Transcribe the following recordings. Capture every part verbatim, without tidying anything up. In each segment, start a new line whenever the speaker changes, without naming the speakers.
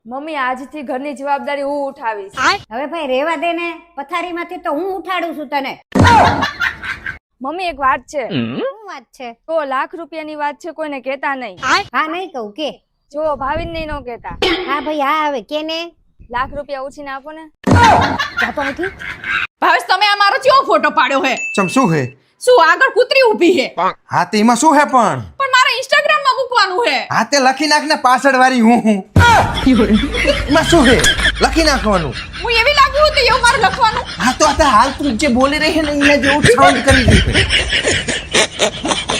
Mummy આજથી ઘરની જવાબદારી હું ઉઠાવીશ.
હવે ભાઈ રેવા દે ને, પથારીમાંથી તો હું ઉઠાડું છું તને.
મમ્મી એક વાત છે.
શું વાત છે?
તો લાખ રૂપિયાની વાત છે, કોઈને કહેતા નહીં.
હા નહીં કહું કે.
જો ભાવિન નહીં નો કહેતા.
હા ભાઈ હા હવે કે ને.
લાખ રૂપિયા ઉછીને આપો ને.
જાતો નથી.
ભાવેશ તમે આ મારો ચેવો ફોટો પાડ્યો હે?
ચમ શું હે?
શું આગળ કૂતરી ઊભી હે?
હા તે એમાં શું હે પણ?
પણ મારે ઇન્સ્ટાગ્રામ માં મૂકવાનું હે.
હા તે લખી નાખ ને પાછળ વાળી હું હું. એમાં શું હે? લખી નાખવાનું.
હું એવી લાગુ હતી એવું મારે લખવાનું.
હા તો આ હાલ તું જે બોલી રહી હે ને એના જેવું સાઉન્ડ કરી દે.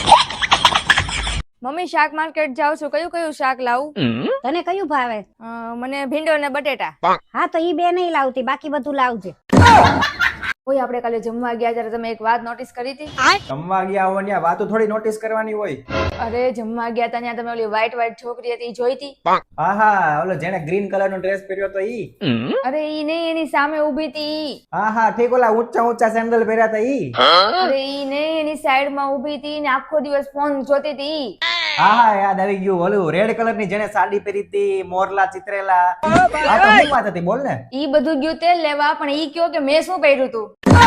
મમ્મી શાક માર્કેટ જાઉં છું, કયું કયું શાક લાવું?
તને કયું ભાવે?
અ, મને ભીંડો ને બટેટા.
હા તો ઈ બે નહીં લાવતી, બાકી બધું લાવજે.
ઓય આપણે કાલે જમવા ગયા ત્યારે તમે એક વાત નોટિસ કરી હતી?
જમવા ગયા હોય ને વાતો થોડી નોટિસ કરવાની હોય.
અરે જમવા ગયા હતા ત્યાં તમે ઓલી વ્હાઈટ વ્હાઈટ છોકરી હતી ઈ જોઈ હતી?
હા હા ઓલો જેને ગ્રીન કલર નો ડ્રેસ પહેર્યો તો ઈ.
અરે ઈ નહીં, એની સામે ઊભી હતી ઈ.
હા હા ઠીક ઓલા ઊંચા ઊંચા સેન્ડલ પહેર્યા હતા ઈ.
અરે ઈ નહીં, એની સાઈડ માં ઊભી હતી ને આખો દિવસ ફોન જોતી હતી ઈ.
હા હા યાદ આવી ગયું ઓલું રેડ કલર ની જેને સાડી પહેરી હતી, મોરલા ચિત્રેલા. આ તો શું વાત હતી બોલ ને.
ઈ બધું ગયું તેલ લેવા, પણ ઈ કયો કે મેં શું પહેર્યું તું.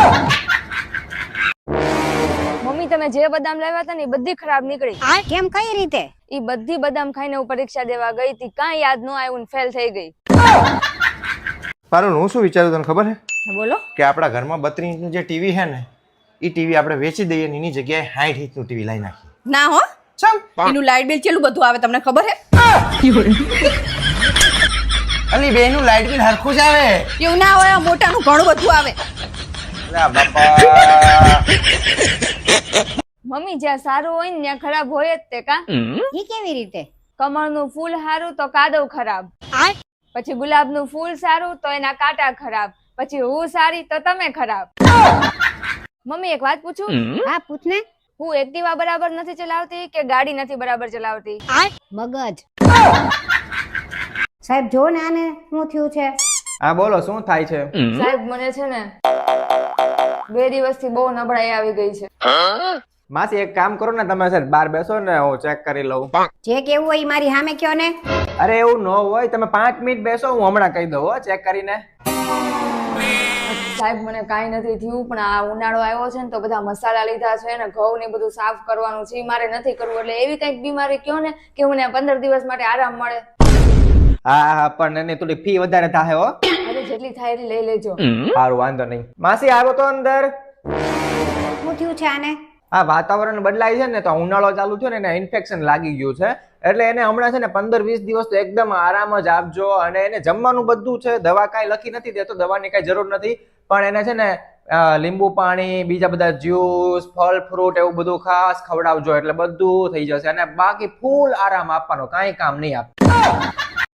મમ્મી તમે જે બદામ લાવ્યા હતા ને એ બધી ખરાબ નીકળી.
કેમ કઈ રીતે?
ઈ બધી બદામ ખાઈને હું પરીક્ષા દેવા ગઈ હતી, કાંઈ યાદ ન આવ્યું ને ફેલ થઈ ગઈ.
પારુલ હું શું વિચારું તને ખબર હે?
બોલો.
કે આપણા ઘરમાં બત્રીસ ઇંચનું જે ટીવી હે ને એ ટીવી આપણે વેચી દઈએ ને એની જગ્યાએ સાઠ ઇંચનું ટીવી લાવી નાખીએ.
ના હો ચમ એનું લાઈટ બિલ કેટલું બધું આવે તમને ખબર હે?
અલી બેનું લાઈટ બિલ હરખું જ આવે.
એવું ના હોય મોટાનું ઘણું બધું આવે.
અલા બાપા.
મમ્મી જ્યાં સારું હોય ને ત્યાં ખરાબ હોય જ તે કા.
ઈ કેવી રીતે?
કમળનું ફૂલ સારું તો કાદવ ખરાબ, પછી ગુલાબનું ફૂલ સારું તો એના કાંટા ખરાબ, પછી હું સારી તો તમે ખરાબ. મમ્મી એક વાત પૂછું?
હા પૂછ ને.
હું એક્ટિવા બરાબર નથી ચલાવતી કે ગાડી નથી બરાબર ચલાવતી?
મગજ. સાહેબ જો ને આને શું થયું છે?
હા બોલો શું થાય છે?
સાહેબ મને છે ને બે દિવસથી બહુ નબળાઈ આવી ગઈ છે.
માસી એક કામ કરો ને તમે સર બહાર બેસો ને હું ચેક કરી લઉં.
જે કેવું હોય ઈ મારી સામે કયો ને.
અરે એવું ન હોય તમે પાંચ મિનિટ બેસો હું હમણાં કહી દઉં હો ચેક કરીને.
સાહેબ મને કાંઈ નથી થયું, પણ આ ઉનાળો આવ્યો છે ને તો બધા મસાલા લીધા છે ને ઘઉં ને બધું સાફ કરવાનું છે, ઈ મારે નથી કરવું. એટલે એવી કઈક બીમારી કયો ને કે મને પંદર દિવસ માટે આરામ મળે.
હા હા પણ એની થોડી ફી વધારે થાય હો.
અરે જેટલી થાય એટલી લઈ લેજો.
સારું વાંધો નહીં. માસી આવ્યો તો અંદર.
શું થયું છે આને?
આ વાતાવરણ બદલાય છે ને તો ઉનાળો ચાલુ થયો ને એને ઇન્ફેક્શન લાગી ગયું છે, એટલે એને હમણાં છે ને પંદર વીસ દિવસ તો એકદમ આરામ જ આપજો. અને એને જમવાનું બધું છે, દવા કાંઈ લખી નથી દેતો, દવાની કાંઈ જરૂર નથી, પણ એને છે ને લીંબુ પાણી, બીજા બધા જ્યુસ, ફળ ફ્રૂટ એવું બધું ખાસ ખવડાવજો એટલે બધું થઈ જશે. અને બાકી ફૂલ આરામ આપવાનો, કાંઈ કામ નહીં આપ.